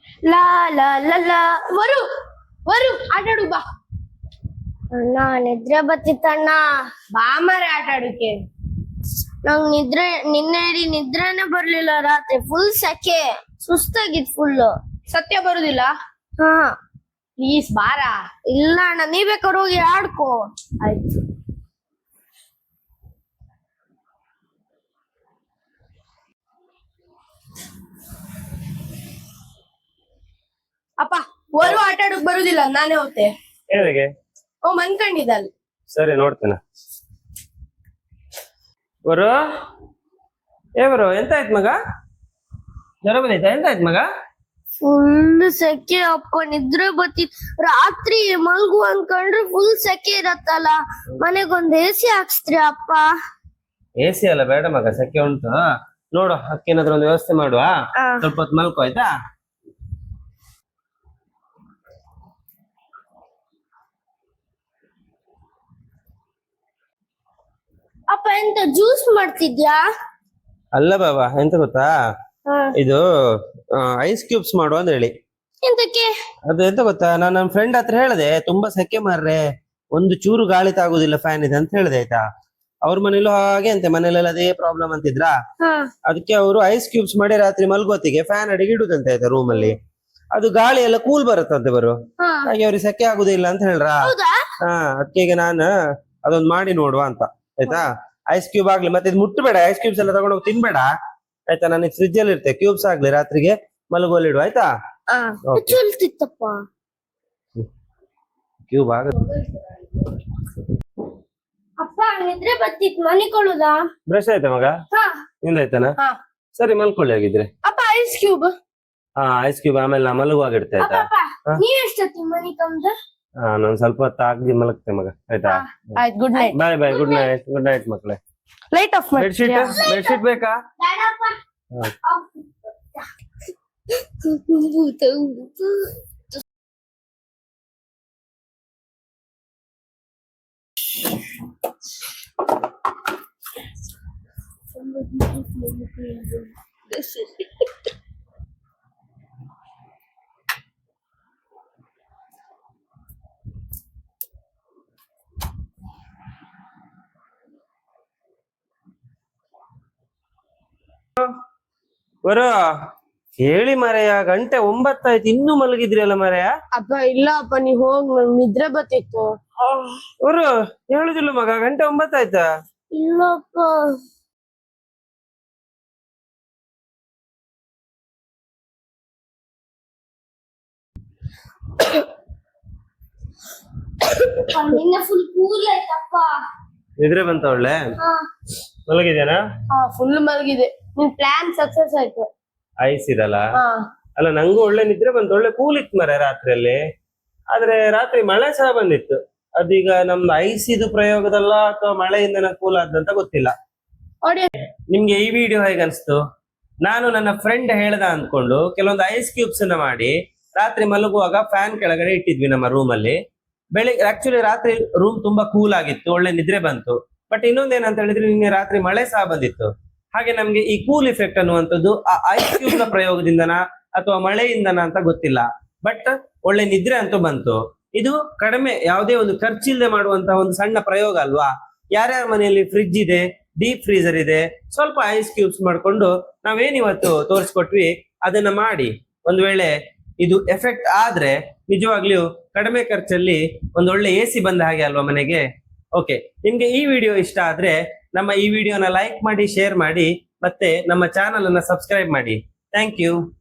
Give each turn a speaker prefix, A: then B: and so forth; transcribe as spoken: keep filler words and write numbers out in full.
A: ಲಾ ಲಾ ಲಾ ಲಾ ವರು ವರು ಆಟಾಡು ಬಾ.
B: ಅಣ್ಣ ನಿದ್ರೆ ಬತ್ತಿತ್ತಣ್ಣ.
A: ಬಾ ಮಾರೆ ಆಟಾಡಕ್ಕೆ.
B: ನಂಗ್ ನಿದ್ರೆ ನಿನ್ನೆ ಇಡೀ ನಿದ್ರೆನೆ ಬರ್ಲಿಲ್ಲ ರಾತ್ರಿ. ಫುಲ್ ಸೆಕೆ, ಸುಸ್ತಾಗಿತ್ ಫುಲ್.
A: ಸತ್ಯ ಬರುದಿಲ್ಲ?
B: ಹಾ
A: ಪ್ಲೀಸ್ ಬಾರ.
B: ಇಲ್ಲ ಅಣ್ಣ, ನೀ ಬೇಕಾದ್ರೆ ಹೋಗಿ ಆಡ್ಕೋ.
A: ಆಯ್ತು. ಅಪ್ಪ ವರು ಆಟಾಡಕ್ ಬರುದಿಲ್ಲ, ನಾನೇ ಹೋಗ್ತೆ.
C: ಹೇಗೆ?
A: ಓ ಮನ್ಕಂಡಿದ್ದಲ್.
C: ಸರಿ ನೋಡ್ತೇನೆ. ಬರು ಏ ಬರು, ಎಂತ ಆಯ್ತು ಮಗ? ಜ್ವರ ಬಂದೈತಾ? ಎಂತ ಆಯ್ತು ಮಗ?
B: ಫುಲ್ ಸೆಕೆ ಅಪ್ಪ, ನಿದ್ರೆ ಬತ್ತಿತ್. ರಾತ್ರಿ ಮಲ್ಗು ಅನ್ಕೊಂಡ್ರೆ ಫುಲ್ ಸೆಕೆ ಇರತ್ತಲ್ಲ. ಮನೆಗೊಂದ್ ಎ ಸಿ ಹಾಕ್ಸ್ತ್ರಿ ಅಪ್ಪ.
C: ಎ ಸಿ ಅಲ್ಲ ಬೇಡ ಮಗ, ಸೆಕೆ ಉಂಟು. ನೋಡು ಅಕ್ಕೇನಾದ್ರೂ ಒಂದು ವ್ಯವಸ್ಥೆ ಮಾಡುವ. ಸ್ವಲ್ಪ ಹೊತ್ತು ಮಲ್ಕೋ ಆಯ್ತಾ?
B: ಅಪ್ಪ ಎಂತ ಜ್ಯೂಸ್ ಮಾಡ್ತಿದ್ಯಾ?
C: ಅಲ್ಲ ಬಾಬಾ, ಎಂತ ಗೊತ್ತಾ, ಇದು ಐಸ್ ಕ್ಯೂಬ್ಸ್ ಮಾಡುವ ಅಂತ ಹೇಳಿ.
B: ಎಂತಕ್ಕೆ?
C: ಅದು ಎಂತ ಗೊತ್ತಾ, ನಾನು ನನ್ನ ಫ್ರೆಂಡ್ ಹತ್ರ ಹೇಳಿದೆ, ತುಂಬಾ ಸೆಕೆ ಮಾರ್ರೆ, ಒಂದು ಚೂರು ಗಾಳಿ ತಾಗುದಿಲ್ಲ ಫ್ಯಾನ್ ಇದೆ ಅಂತ ಹೇಳಿದೆ ಆಯ್ತಾ. ಅವ್ರ ಮನೇಲೂ ಹಾಗೆ ಅಂತೆ, ಮನೇಲೆಲ್ಲ ಅದೇ ಪ್ರಾಬ್ಲಮ್ ಅಂತಿದ್ರ. ಅದಕ್ಕೆ ಅವರು ಐಸ್ ಕ್ಯೂಬ್ಸ್ ಮಾಡಿ ರಾತ್ರಿ ಮಲ್ಗೋತಿಗೆ ಫ್ಯಾನ್ ಅಡಿಗೆ ಇಡುದಂತೆ ಆಯ್ತಾ ರೂಮ್ ಅಲ್ಲಿ. ಅದು ಗಾಳಿ ಎಲ್ಲ ಕೂಲ್ ಬರುತ್ತಂತೆ ಬರು, ಹಾಗೆ ಅವ್ರಿಗೆ ಸೆಕೆ ಆಗುದಿಲ್ಲ ಅಂತ ಹೇಳ್ರ. ಹಾ ಅದಕ್ಕೆ ಈಗ ನಾನು ಅದೊಂದು ಮಾಡಿ ನೋಡುವ ಅಂತ ಆಯ್ತಾ. ಐಸ್ ಕ್ಯೂಬ್ ಆಗ್ಲಿ, ಮತ್ತೆ ಇದು ಮುಟ್ಟಬೇಡ, ಐಸ್ ಕ್ಯೂಬ್ಸ್ ಎಲ್ಲ ತಗೊಂಡೋಗಿ ತಿನ್ಬೇಡ ಆಯ್ತಾ. ನನಗೆ ಫ್ರಿಜ್ ಅಲ್ಲಿ ಇರುತ್ತೆ, ಕ್ಯೂಬ್ಸ್ ಆಗ್ಲಿ ರಾತ್ರಿಗೆ ಮಲಗೋಲಿ ಇಡು ಆಯ್ತಾ.
B: ಚಲ್ತಿತ್ತಪ್ಪ
C: ಕ್ಯೂಬ್ ಆಗುತ್ತೆ.
B: ಅಪ್ಪ ನಿದ್ರೆ ಬತ್ತಿತ್, ಮನಿಕೊಳ್ಳುದಾ?
C: ಬ್ರಷ್ ಆಯ್ತಾ ಮಗ? ನಿಂದಾಯ್ತಾನ?
A: ಹಾ.
C: ಸರಿ ಮಲ್ಕೊಳ್ಳಿ ಆಗಿದ್ರೆ.
A: ಅಪ್ಪ ಐಸ್ ಕ್ಯೂಬ್.
C: ಹಾ ಐಸ್ ಕ್ಯೂಬ್ ಆಮೇಲೆ ನಾ ಮಲಗುವಾಗ ಇಡ್ತೆ ಆಯ್ತಾ.
B: ನೀವ್ ಎಷ್ಟೊತ್ತಿ ಮನಿ ಕಮ್ದ?
C: ಹಾ ನಾನು ಸ್ವಲ್ಪ ಹೊತ್ತು ಆಗಿ ಮಲಗ್ತೆ ಮಗ ಆಯ್ತಾ.
A: ಆಯ್ತು, good night.
C: Bye bye, good night. Good night ಮಕ್ಳೇ.
A: ಲೈಟ್ ಆಫ್ ಮಾಡಿ.
C: ಬೆಡ್ಶೀಟ್ ಬೆಡ್ಶೀಟ್ ಬೇಕಾ? ಬರೋ ಹೇಳಿ ಮರೆಯ, ಗಂಟೆ ಒಂಬತ್ತಾಯ್ತು ಇನ್ನೂ ಮಲಗಿದ್ರಿ ಅಲ್ಲ ಮರೆಯ.
A: ಅಪ್ಪ ಇಲ್ಲ ಅಪ್ಪ, ನೀ ಹೋಗ್, ನಂಗ್ ನಿದ್ರೆ ಬತ್ತಿತ್ತು.
C: ಬರು ಹೇಳುದಿಲ್ಲ ಮಗ, ಗಂಟೆ ಒಂಬತ್ತಾಯ್ತಾ?
B: ಇಲ್ಲಪ್ಪ. ನಿನ್ನೆ ಫುಲ್ ಕೂಲ್ ಆಯ್ತಪ್ಪ.
C: ನಿದ್ರೆ ಬಂತ ಒಳ್ಳೆ? ಮಲಗಿದೇನಾ?
A: ಹಾ ಫುಲ್ ಮಲಗಿದೆ. ನಿನ್ ಪ್ಲಾನ್ ಸಕ್ಸಸ್ ಆಯ್ತು.
C: ಐಸ್ ಇದಲ್ಲ.
A: ಹಾ
C: ಅಲ್ಲ ನಂಗೂ ಒಳ್ಳೆ ನಿದ್ರೆ ಬಂತು, ಒಳ್ಳೆ ಕೂಲ್ ಇತ್ತು ಮರ ರಾತ್ರಿಯಲ್ಲಿ. ಆದ್ರೆ ರಾತ್ರಿ ಮಳೆ ಸಹ ಬಂದಿತ್ತು. ಅದೀಗ ನಮ್ದು ಐಸ್ ಇದು ಪ್ರಯೋಗದಲ್ಲ ಅಥವಾ ಮಳೆಯಿಂದ ಕೂಲ್ ಆದಂತ ಗೊತ್ತಿಲ್ಲ. ನಿಮ್ಗೆ ಈ ವಿಡಿಯೋ ಹೇಗೆ ಅನ್ಸ್ತು? ನಾನು ನನ್ನ ಫ್ರೆಂಡ್ ಹೇಳ್ದ ಅಂದ್ಕೊಂಡು ಕೆಲವೊಂದು ಐಸ್ ಕ್ಯೂಬ್ಸ್ ಅನ್ನ ಮಾಡಿ ರಾತ್ರಿ ಮಲಗುವಾಗ ಫ್ಯಾನ್ ಕೆಳಗಡೆ ಇಟ್ಟಿದ್ವಿ ನಮ್ಮ ರೂಮ್ ಅಲ್ಲಿ. ಬೆಳಿಗ್ಗೆ ಆಕ್ಚುಲಿ ರಾತ್ರಿ ರೂಮ್ ತುಂಬಾ ಕೂಲ್ ಆಗಿತ್ತು, ಒಳ್ಳೆ ನಿದ್ರೆ ಬಂತು. ಬಟ್ ಇನ್ನೊಂದೇನಂತ ಹೇಳಿದ್ರೆ ನಿನ್ನೆ ರಾತ್ರಿ ಮಳೆ ಸಹ ಬಂದಿತ್ತು. ಹಾಗೆ ನಮ್ಗೆ ಈ ಕೂಲ್ ಇಫೆಕ್ಟ್ ಅನ್ನುವಂಥದ್ದು ಆ ಐಸ್ ಕ್ಯೂಬ್ ನ ಪ್ರಯೋಗದಿಂದನ ಅಥವಾ ಮಳೆಯಿಂದನ ಅಂತ ಗೊತ್ತಿಲ್ಲ. ಬಟ್ ಒಳ್ಳೆ ನಿದ್ರೆ ಅಂತೂ ಬಂತು. ಇದು ಕಡಿಮೆ, ಯಾವುದೇ ಒಂದು ಖರ್ಚಿಲ್ಲದೆ ಮಾಡುವಂತಹ ಒಂದು ಸಣ್ಣ ಪ್ರಯೋಗ ಅಲ್ವಾ. ಯಾರ್ಯಾರ ಮನೆಯಲ್ಲಿ ಫ್ರಿಡ್ಜ್ ಇದೆ, ಡೀಪ್ ಫ್ರೀಸರ್ ಇದೆ, ಸ್ವಲ್ಪ ಐಸ್ ಕ್ಯೂಬ್ಸ್ ಮಾಡ್ಕೊಂಡು ನಾವೇನಿವತ್ತು ತೋರಿಸ್ಕೊಟ್ವಿ ಅದನ್ನ ಮಾಡಿ ಒಂದ್ ವೇಳೆ ಇದು ಎಫೆಕ್ಟ್ ಆದ್ರೆ ನಿಜವಾಗ್ಲೂ ಕಡಿಮೆ ಖರ್ಚಲ್ಲಿ ಒಂದು ಒಳ್ಳೆ ಎ ಸಿ ಬಂದ ಹಾಗೆ ಅಲ್ವಾ ಮನೆಗೆ. ಓಕೆ, ನಿಮ್ಗೆ ಈ ವಿಡಿಯೋ ಇಷ್ಟ ಆದ್ರೆ ನಮ್ಮ ಈ ವಿಡಿಯೋನ ಲೈಕ್ ಮಾಡಿ, ಶೇರ್ ಮಾಡಿ, ಮತ್ತೆ ನಮ್ಮ ಚಾನಲ್ ಅನ್ನ ಸಬ್ಸ್ಕ್ರೈಬ್ ಮಾಡಿ. Thank you.